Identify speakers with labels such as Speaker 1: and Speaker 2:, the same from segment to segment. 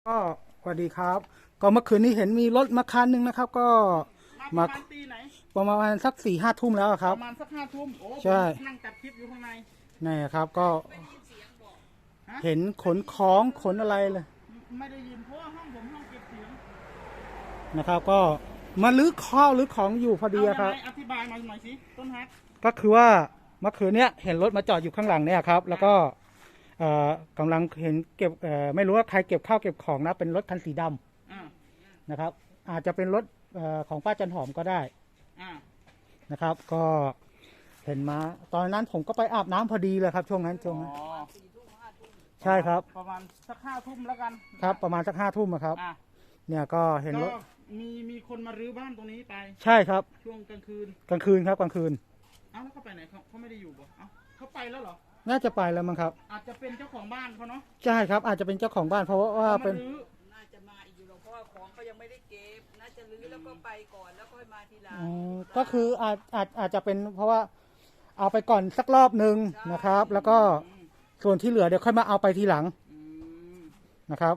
Speaker 1: ก็สวัสดีครับก็เมื่อคืนนี้เห็นมีรถมาคันหนึ่งนะครับก็
Speaker 2: มา
Speaker 1: มา
Speaker 2: ประมาณตีไหน
Speaker 1: ประมาณสัก4-5 ทุ่มแล้วค
Speaker 2: ป
Speaker 1: รับ
Speaker 2: ระมาณสัก5 ทุ่มโอ้
Speaker 1: ใช่
Speaker 2: ผมนั่งจัดคลิปอยู่ข้างใน
Speaker 1: นี่ครับก็
Speaker 2: ฮะ
Speaker 1: เห็นขนของขนอะไรเลย
Speaker 2: ไม่ได้ยินเพราะว่าห้องผมห้องเก็บเสียง
Speaker 1: นะครับก็มาลื้อข้าวลื้อของอยู่พอดีครับ
Speaker 2: เอายังไงอธิบายมาหน่อยสิต้นฮัก
Speaker 1: ก็คือว่าเมื่อคืนเนี้ยเห็นรถมาจอดอยู่ข้างหลังเนี่ยครับแล้วก็กำลังเห็นเก็บไม่รู้ว่าใครเก็บข้าวเก็บของนะเป็นรถคันสีด
Speaker 2: อ่า
Speaker 1: ำนะครับอาจจะเป็นรถของป้าจันหอมก็ได้
Speaker 2: อ่า
Speaker 1: นะครับก็เห็นมาตอนนั้นผมก็ไปอาบน้ำพอดีเลยครับช่วงนั้น
Speaker 2: อ๋อ
Speaker 1: ใช่ครับ
Speaker 2: ประมาณสัก5 ทุ่มแล้วกัน
Speaker 1: ครับประมาณสัก5 ทุ่มครับ
Speaker 2: อ่ะ
Speaker 1: เนี่ยก็เห็นร
Speaker 2: ก็
Speaker 1: ถ
Speaker 2: มีคนมารื้อบ้านตรงนี้ไป
Speaker 1: ใช่ครับ
Speaker 2: ช่วงกลางคืน
Speaker 1: กลางคืนครับกลางคืน
Speaker 2: เอ้าแล้วเขาไปไหนเขาไม่ได้อยู่บ่เอ้าเขาไปแล้วเหรอ
Speaker 1: น่าจะไปแล้วมั้งครับ
Speaker 2: อาจจะเป็นเจ้าของบ้านเขาเนาะ
Speaker 1: ใช่ครับอาจจะเป็นเจ้าของบ้านเพราะว่าเป็น
Speaker 2: รื้อ
Speaker 3: น่าจะมาอีกอยู่หรอกเพราะว่าของเขายังไม่ได้เก็บน่าจะรื้อแล้วก็ไปก่อนแล้วค่อยมาทีหลัง
Speaker 1: ก็คืออาจจะเป็นเพราะว่าเอาไปก่อนสักรอบหนึ่งนะครับ แล้วก็ส่วนที่เหลือเดี๋ยวค่อยมาเอาไปทีหลังนะครับ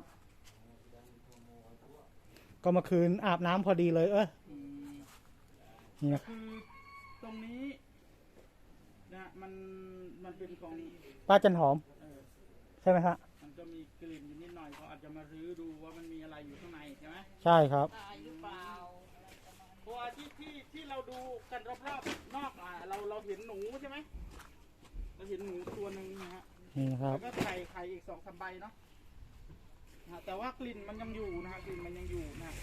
Speaker 1: ก็เมื่อคืนอาบน้ำพอดีเลยนี่นะ
Speaker 2: คือตรงนี้นะมันเป็นของ
Speaker 1: ป้าจันหอมใช่ไหมฮะ
Speaker 2: มันจะมีกลิ่นอยู่นิดหน่อยเขาอาจจะมารื้อดูว่ามันมีอะไรอยู่ข้างในใช่ไหม
Speaker 1: ใช่ครับ
Speaker 3: ตายหรือเปล่า
Speaker 2: เพราะว่าที่เราดูกันรอบๆนอกเราเห็นหนูใช่ไหมเราเห็นหนูตัวหนึ่งนะฮะ
Speaker 1: นี่ครับ
Speaker 2: แล้วก็ไข่อีก2-3 ใบเนาะนะแต่ว่ากลิ่นมันยังอยู่นะฮะกลิ่นมันยังอยู่นะ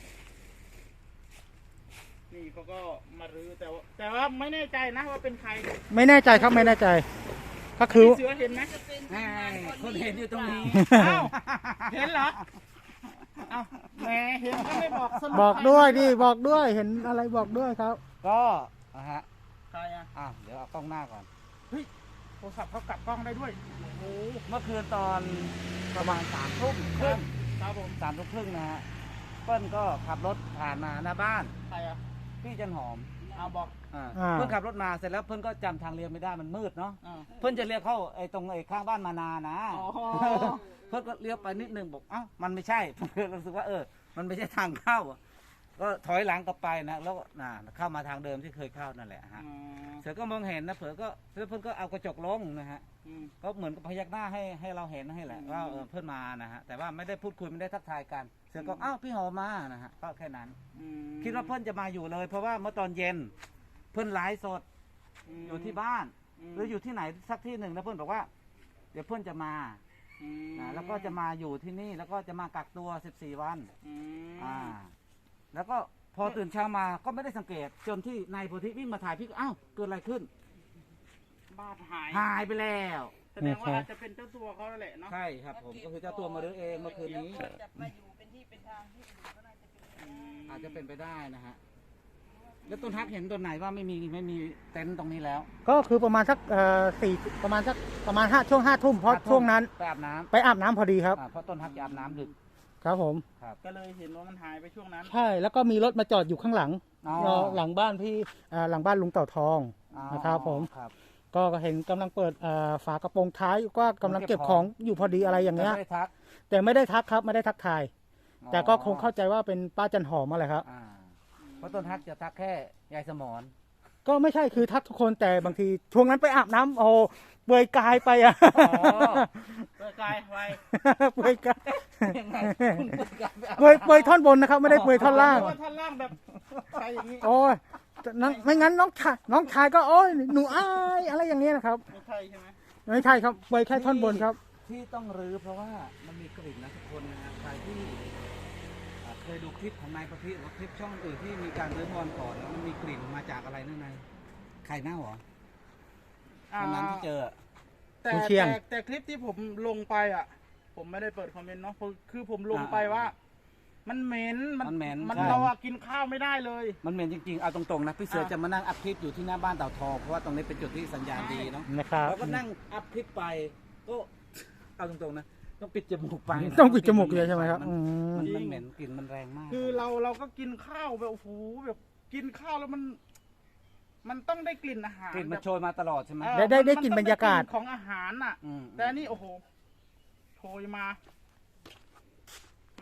Speaker 2: นี่เขาก็มารื้อแต่ว่าไม่แน่ใจนะว่าเป็นใคร
Speaker 1: ไม่แน่ใจครับไม่แน่ใจ ก็คือ
Speaker 2: เสือเห็นไหม
Speaker 3: คนเห็นอยู่ตรงนี้
Speaker 2: อ้าวเห็นเหรออ้าวแหมเห็นก็ไม่บอกสรุป
Speaker 1: บอกด้วยดิบอกด้วยเห็นอะไรบอกด้วยครับ
Speaker 4: ก็นะฮะ
Speaker 2: ใครอ่ะ
Speaker 4: เดี๋ยวเอากล้องหน้าก่อน
Speaker 2: เฮ้ยโทรศัพท์เขากลับกล้องได้ด้วยโอ้โห
Speaker 4: เมื่อคืนตอนประมาณ3 ทุ่มครึ่ง
Speaker 2: ครับผม
Speaker 4: 3 ทุ่มครึ่งนะฮะเปิ้ลก็ขับรถผ่านมาหน้าบ้าน
Speaker 2: ใครอ่ะ
Speaker 4: พี่จันหอม
Speaker 2: เอาบอก
Speaker 4: เพื่อนขับรถมาเสร็จแล้วเพื่อนก็จำทางเลี้ยวไม่ได้มันมืดเนาะ
Speaker 2: อ่า
Speaker 4: เพื่อนจะเลี้ยวเข้าไอ้ตรงไอ้ข้างบ้านมานานะ
Speaker 2: อ๋อ
Speaker 4: เพื่อนก็เลี้ยวไปนิดนึงบอกมันไม่ใช่เพื่อนรู้สึกว่ามันไม่ใช่ทางเข้าก็ถอยหลังกลับไปนะแล้วเข้ามาทางเดิมที่เคยเข้านั่นแหละฮะเสือก็มองเห็นนะเผื่อก็เพื่อนก็เอากระจกลงนะฮะก็เหมือนกับพยักหน้าให้เราเห็นให้แหละว่าเพื่อนมานะฮะแต่ว่าไม่ได้พูดคุยไม่ได้ทักทายกันเสือก็พี่หอมมานะฮะก็แค่นั้นคิดว่าเพื่อนจะมาอยู่เลยเพราะว่าเมื่อตอนเย็นเพื่อนไลฟ์สดอยู่ที่บ้านหรืออยู่ที่ไหนสักที่หนึ่งแล้วเพื่อนบอกว่าเดี๋ยวเพื่อนจะมาแล้วก็จะมาอยู่ที่นี่แล้วก็จะมากักตัว14 วันแล้วก็พอตื่นเช้ามาก็ไม่ได้สังเกตจนที่นายโพธิวิ่งมาถ่ายพี่ก็เกิดอะไรขึ้น
Speaker 2: บ้าน
Speaker 4: หายไปแล้ว
Speaker 2: แสดงว่าอาจจะเป็นเจ้าตัวเขาแหละเนาะ
Speaker 4: ใช่ครับผมก็คือเจ้าตัวมารื้อเองเมื่อคืนนี้
Speaker 3: จะมาอยู่เป็นที่เป็นทางที่อื่นก็น่าจะเป็น
Speaker 4: อาจจะเป็นไปได้นะฮะแล้วต้นฮักเห็นต้นไหนว่าไม่มีเต็นท์ตรงนี้แล้ว
Speaker 1: ก็คือประมาณสักประมาณช่วง5 ทุ่มเพราะช่วงนั้น
Speaker 4: ไปอาบน้ำ
Speaker 1: พอดีครับ
Speaker 4: เพราะต้นฮักจะอาบน้ำดึก
Speaker 1: ครับผม
Speaker 2: ก็เลยเห็นว่ามันหายไปช่วงนั้น
Speaker 1: ใช่แล้วก็มีรถมาจอดอยู่ข้างหลังหลังบ้านพี่หลังบ้านลุงเต่าทองนะครับผมก็เห็นกำลังเปิดฝากระโปรงท้ายก็กำลังเก็บของอยู่พอดีอะไรอย่างเงี้ยแต่ไม่ได้ทักครับไม่ได้ทักทายแต่ก็คงเข้าใจว่าเป็นป้าจันหอมอะไรครับ
Speaker 4: เพราะต้นฮักจะทักแค่ยายสมร
Speaker 1: ก็ไม่ใช่คือทักทุกคนแต่บางทีช่วงนั้นไปอาบน้ำเปลือยกายไป
Speaker 2: เปลือยกายไป
Speaker 1: เปลือยกายเปลือยท่อนบนนะครับไม่ได้เปลือยท่อนล่าง
Speaker 2: ท่อนล่างแบบใครอย่างนี้
Speaker 1: โอ้ยไม่งั้นน้องชายก็โอ้ยหนูอายอะไรอย่างเงี้ยนะครับ
Speaker 2: ไม่ใช่ใช่ไหม
Speaker 1: ไม่ใช่ครับเปลือยแค่ท่อนบนครับ
Speaker 4: ที่ต้องรื้อเพราะว่ามันมีกลิ่นนะทุกคนนะใครที่เคยดูคลิปของนายประพิษหรือคลิปช่องอื่นที่มีการรื้อมอนก่อนแล้วมันมีกลิ่นมาจากอะไรนั่นไงไข่เน่าเหรอวันนั้นที่เจอ
Speaker 2: แต่คลิปที่ผมลงไปผมไม่ได้เปิดคอมเมนต์เนาะคือผมลงไปว่ามันเหม็นมันเรากินข้าวไม่ได้เลย
Speaker 4: มันเหม็นจริงๆเอาตรงๆนะพี่เสือจะมานั่งอัพคลิปอยู่ที่หน้าบ้านเต่าทองเพราะว่าตรงนี้เป็นจุดที่สัญญาณดีเนาะ
Speaker 1: นะครับ
Speaker 4: แล้วก็นั่งอัพคลิปไปก็เอาตรงๆนะต้องปิดจมูกไป
Speaker 1: ต้องปิดจมูกเลยใช่ไหมครับ
Speaker 4: มันเหม็นกลิ่นมันแรงมาก
Speaker 2: คือเราก็กินข้าวแบบโอ้โหแบบกินข้าวแล้วมันต้องได้กลิ่นอาหาร
Speaker 4: กลิ่นมันโชยมาตลอดใช่ไหม
Speaker 1: ได้กลิ่นบรรยากาศ
Speaker 2: ของอาหารแต่นี่โอ้โหโชยมา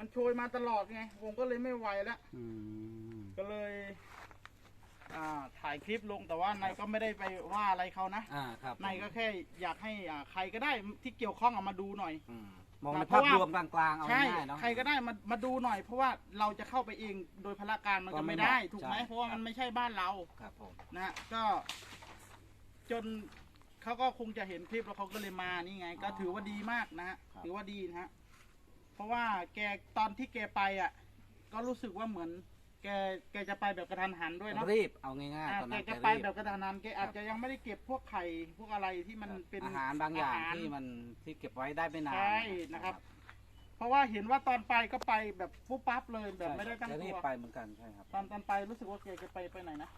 Speaker 2: มันโชยมาตลอดไงผมก็เลยไม่ไหวแล้ว
Speaker 4: อืม
Speaker 2: ก็เลย ถ่ายคลิปลงแต่ว่านายก็ไม่ได้ไปว่าอะไรเขานะ
Speaker 4: ครับ
Speaker 2: นายก็แค่อยากให้ใครก็ได้ที่เกี่ยวข้องเอามาดูหน่อย
Speaker 4: มองในภาพรวมกลางๆเอา
Speaker 2: ใช่
Speaker 4: ง่ายๆเนาะ
Speaker 2: ใครก็ได้มาดูหน่อย เพราะว่าเราจะเข้าไปเองโดยพละการมัน
Speaker 4: ก็
Speaker 2: ก็
Speaker 4: ไม่
Speaker 2: ไม่ได้
Speaker 4: เหมาะ
Speaker 2: ถูกไหม
Speaker 4: ใช่
Speaker 2: เพราะว่ามันไม่ใช่บ้านเรา
Speaker 4: ครับผม
Speaker 2: นะฮะก็จนเขาก็คงจะเห็นคลิปแล้วเขาก็เลยมานี่ไง ก็ถือว่าดีมากนะฮะถือว่าดีนะฮะเพราะว่าแกตอนที่แกไปอ่ะ ก็รู้สึกว่าเหมือน แกจะไปแบบกระทันหันด้วยเนาะ
Speaker 4: รีบเอาง่ายๆตอน
Speaker 2: แก
Speaker 4: นั้น
Speaker 2: จะไปแบบกระทันหันแกอาจจะยังไม่ได้เก็บพวกไข่พวกอะไรที่มันเป็น
Speaker 4: อาหารบางอย่าง
Speaker 2: หร
Speaker 4: ที่เก็บไว้ได้ไม่นาน
Speaker 2: ใช่นะครับ เพราะว่าเห็นว่าตอนไปก็ไปแบบปุ๊บปั๊บเลยแบบไม่ได้ตั้ง
Speaker 4: จะ
Speaker 2: ตั
Speaker 4: รีบ
Speaker 2: ว
Speaker 4: ไปเหมือนกันใช่ครับ
Speaker 2: ตอนไปรู้สึกว่าแกจะไปไหนนะ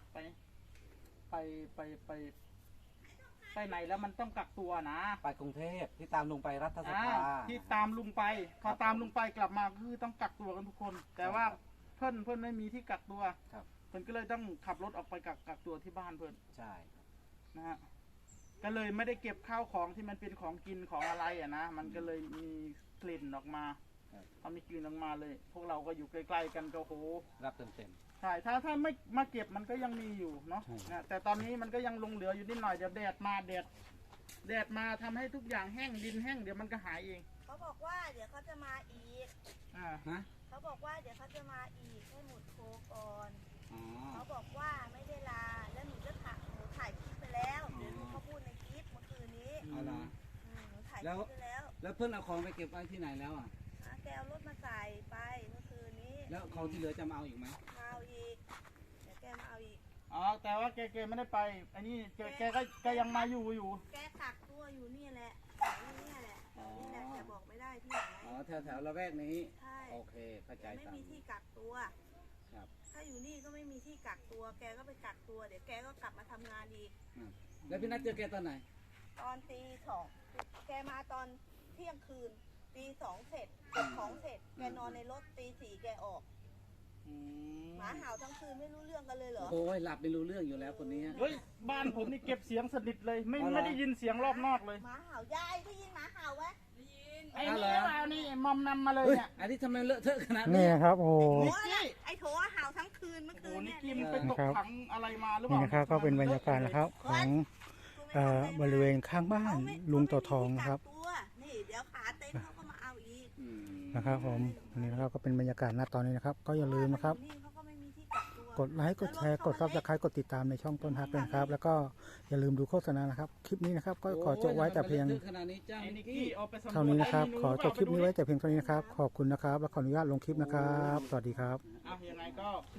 Speaker 2: ไปไหนแล้วมันต้องกักตัวนะ
Speaker 4: ไปกรุงเทพที่ตามลุงไปรัฐส
Speaker 2: อ่า
Speaker 4: ภา
Speaker 2: ที่ตามลุงไปพอตามลุงไปกลับมาคือต้องกักตัวกันทุกคน แต่ว่าเพื่อนไม่มีที่กักตัว
Speaker 4: ครับ
Speaker 2: เพื่อนก็เลยต้องขับรถออกไปกักตัวที่บ้านเพื่อน
Speaker 4: ใช่
Speaker 2: นะฮะก็เลยไม่ได้เก็บข้าวของที่มันเป็นของกินของอะไรอ่ะนะมันก็เลยมีกลิ่นออกมาพอมีกลิ่นออกมาเลย พวกเราก็อยู่ใกล้ๆกันก็โห
Speaker 4: รับเต็ม
Speaker 2: ใช่ถ้าไม่มาเก็บมันก็ยังมีอยู่เนาะ
Speaker 4: ใช่
Speaker 2: นะแต่ตอนนี้มันก็ยังลงเหลืออยู่นิดหน่อยเดี๋ยวแดดมาทำให้ทุกอย่างแห้งดินแห้งเดี๋ยวมันก็หายเอง
Speaker 5: เขาบอกว่าเดี๋ยวเขาจะมาอีก
Speaker 2: อ่า
Speaker 4: ๆฮะ
Speaker 5: เขาบอกว่าเดี๋ยวเขาจะมาอีกให้หมุดโคก่อน
Speaker 4: อ๋อ
Speaker 5: เขาบอกว่าไม่ได้ลา แล้วหนูจะถ่ายคลิปไปแล้ว เดี๋ยวหนูเขาพูดในคลิปเมื่อคืนนี้
Speaker 4: เอาละ
Speaker 5: หนูถ่ายค
Speaker 4: แล้ว
Speaker 5: ลิปไปแล้ว
Speaker 4: แล้วเพื่อนเอาของไปเก็บไว้ที่ไหนแล้วอ่ะ
Speaker 5: แกเอารถมาใส่ไปเมื่อคืนนี้
Speaker 4: แล้วของที่เหลือจะมาเอาอีกไหม
Speaker 5: มาเอาอีก เดี๋ยวแกมาเอาอีก
Speaker 2: อ๋อแต่ว่าแกไม่ได้ไปอันนี้แกยังมาอยู่
Speaker 5: แกกักตัวอยู่นี่แหละอยู่นี่แหละนี่แหละแต่บอกไม่ได้ที่ไหน
Speaker 4: อ๋อแถวละแวกนี้
Speaker 5: ใช่
Speaker 4: โอเคเข้า
Speaker 5: แก
Speaker 4: ใจ
Speaker 5: ไม่
Speaker 4: ตาม
Speaker 5: มีที่กักตัว
Speaker 4: ครับ
Speaker 5: ถ้าอยู่นี่ก็ไม่มีที่กักตัว แกก็ไปกักตัว เดี๋ยวแกก็กลับมาทำงานอีก
Speaker 4: แล้วพี่นัทเจอแกตอนไหน
Speaker 5: ตอนตีสองแกมาตอนเที่ยงคืนตีสองเสร็จเก็บของเสร็จ แกนอนในรถตีสี่แกออก
Speaker 2: อืม
Speaker 5: หมาเห่าทั้งคืนไม่รู้เรื่องกันเลยเหรอ
Speaker 4: โอ้ยหลับไม่รู้เรื่องอยู่แล้วคนนี้
Speaker 2: เฮ้ยบ้านผมนี่เก็บเสียงสนิทเลยไม่
Speaker 4: อ๋อเหรอ
Speaker 2: ไม่ได้ยินเสียงรอบนอกเลย
Speaker 5: หมาเห่ายายได้ยินหมาเห่าไหม
Speaker 3: ได้ยิน
Speaker 2: ไอ้
Speaker 4: อ้าว
Speaker 2: นี่
Speaker 4: เหรอ
Speaker 2: เอานี่มอมนำมาเลย
Speaker 4: เฮ้ย
Speaker 2: เนี่ย
Speaker 4: อันนี้ทำไมเลอะเทอะขนาด
Speaker 1: นี่
Speaker 4: นี้
Speaker 1: นะครับโอ้โห
Speaker 5: โอ้ยไอ้โถเห่าทั้งคืนเมื่อ
Speaker 2: โอ้
Speaker 5: คื
Speaker 2: โห
Speaker 5: น
Speaker 2: นี่
Speaker 5: เนี่ย
Speaker 2: กินไปตกถังอะไรมาหรือเป
Speaker 1: นี่
Speaker 2: ล่า
Speaker 1: นะครับก็เป็นบรรยากาศนะครับของบริเวณข้างบ้านลุงเต่าทองนะครับ
Speaker 5: ตัวนี่เดี๋ยวขาเต้นเขาก็มาเอาอีก
Speaker 1: นะครับผมอันนี้นะครับก็เป็นบรรยากาศณตอนนี้นะครับ ก็อย่าลืมนะครับ
Speaker 5: นี่เขาก็ไม่มีที่กักตัว
Speaker 1: กดไลค์กดแชร์กดซับสไครต์กดติดตามในช่องต้นฮักด้วยนะครับ แล้วก็อย่าลืมดูโฆษณานะครับ คลิปนี้นะครับ ก็ขอจบไว้แต่เพียง
Speaker 4: โอ้ยทำไมมันเลอะทอะขนาดนี้จ้า
Speaker 2: ไอ้
Speaker 4: นิ
Speaker 2: นิ
Speaker 4: ก
Speaker 2: ก
Speaker 4: กี้
Speaker 2: กี้เอาไปสำรวจ
Speaker 1: เท่านี้นะครับ
Speaker 2: ไอ้
Speaker 1: ขอจบคลิปนี้ไว้แต่เพียงเท่านี้นะครับ ขอบคุณนะครับ และขออนุญาตลงคลิปนะครับ สวัสดีครับ
Speaker 2: อ่ะยังไงก็